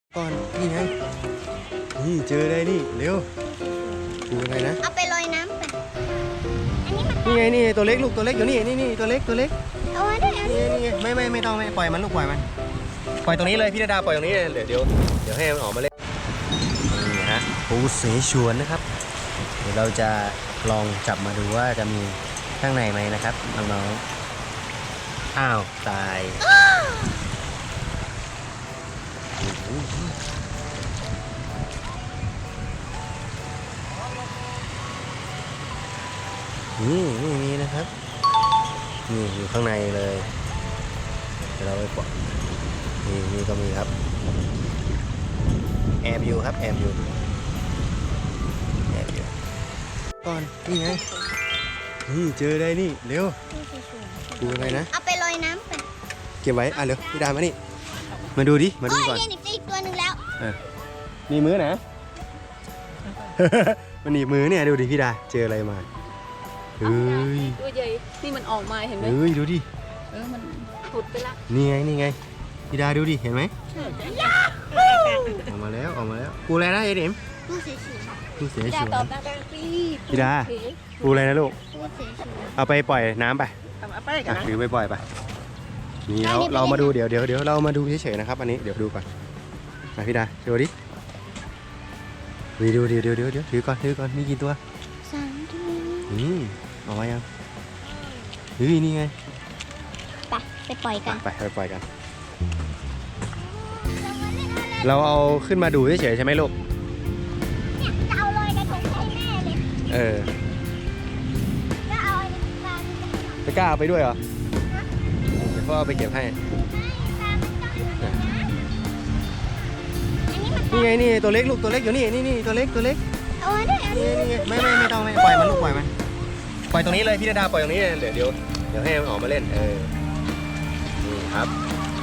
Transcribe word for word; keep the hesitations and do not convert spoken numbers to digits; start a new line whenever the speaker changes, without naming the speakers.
ก่อนนี่ไงนี่เจอได้นี่เร็วดูอะไรนะ
เอาไปลอยน้ำไปอันนี้มัน
นี่ไงนี่ตัวเล็กลูกตัวเล็กอยู่นี่นี่นี่ตัวเล็กตัวเล็ก
เอาไว้ด้วยอัน
นี่
นี้
ไงนี่ไงไม่ไม่ไม่ต้องไม่ปล่อยมันลูกปล่อยมันปล่อยตรงนี้เลยพี่ดาดาปล่อยตรงนี้เลยเดี๋ยวเดี๋ยวเดี๋ยวให้มันออกมาเล่นนี่ฮะปูเสฉวนนะครับเดี๋ยวเราจะลองจับมาดูว่าจะมีข้างในไหมนะครับน้องๆอ้าวตายนี่นี่มีนะครับนี่อยู่ข้างในเลยเดี๋ยวเราไปปล่อยนี่นี่ก็มีครับแอบอยู่ครับแอบอยู่แอบอยู่ก่อนนี่ไงนี่เจอได้นี่เร็วดูอะไรนะ
เอาไปลอยน้ำไป
เก็บไว้อ่ะเร็วพี่ดามานี่มาดูดิมาดู
โอ้ย
ก่อน
นี่หนีบอีกตัวหนึ่งแล้ว
มีมือนะ มันหนีบมือเนี่ยดูดิพี่ดาเจออะไรมาเฮ้ย
ตัวใหญ่นี่มันออกมาเห็นไหม
เฮ้ยดูดิ
เออมันถุดไปละ
นี่ไงนี่ไงพี่ดาดูดิเห็นไหมออกมาแล้วออกมาแล้วปูอะไรนะเอ็ดเอ็ม
ผู้เสียชีวิต
ปูเสีย
พี่
ฉ
ดา
วน
ตอบนะพี่
พี่ดา ปูอะไรนะลูก
ผู้เสียชีวิต
เอาไปปล่อยน้ำไป
ทำอะไรกัน
อ่ะ
นะ
ถือไปปล่อยไปนี่เราเรามาดูเดี๋ยวเดี๋ยวเดี๋ยวเรามาดูเฉยๆนะครับอันนี้เดี๋ยวดูก่อนมาพี่ดาโชว์ดิวีดูเดี๋ยวเดี๋ยวเดี๋ยวเดี๋ยวถือก่อนถือก่อนมีกี่ตัว
สามตัว
อืมเอาไว้ยังเฮ้ยนี่ไง
ไปไปปล่อยกัน
ไปไปปล่อยกัน เราเอาขึ้นมาดูเฉยๆใช่ไหมลูก
เนี่ยจะเอาลอยกระทงให้แม่เลย
เออ
ก็เอาอันนี้ปลา
จะกล้าเอาไปด้วยเหรอเดี๋ยวพ่อเอาไปเก็บให้
อันนี้มัน
นี่ไงนี่ตัวเล็กลูกตัวเล็กอยู่นี่นี่นี่ตัวเล็กตัวเล็ก
เอาไว้ด้วยอัน
นี่
นี้
นี่ไม่ไม่ไม่ต้องไม่ปล่อยมันลูกปล่อยมันปล่อยตรงนี้เลยพี่ดาดาปล่อยตรงนี้เลยเดี๋ยวเดี๋ยวเดี๋ยวให้มันออกมาเล่นเออนี่ครับ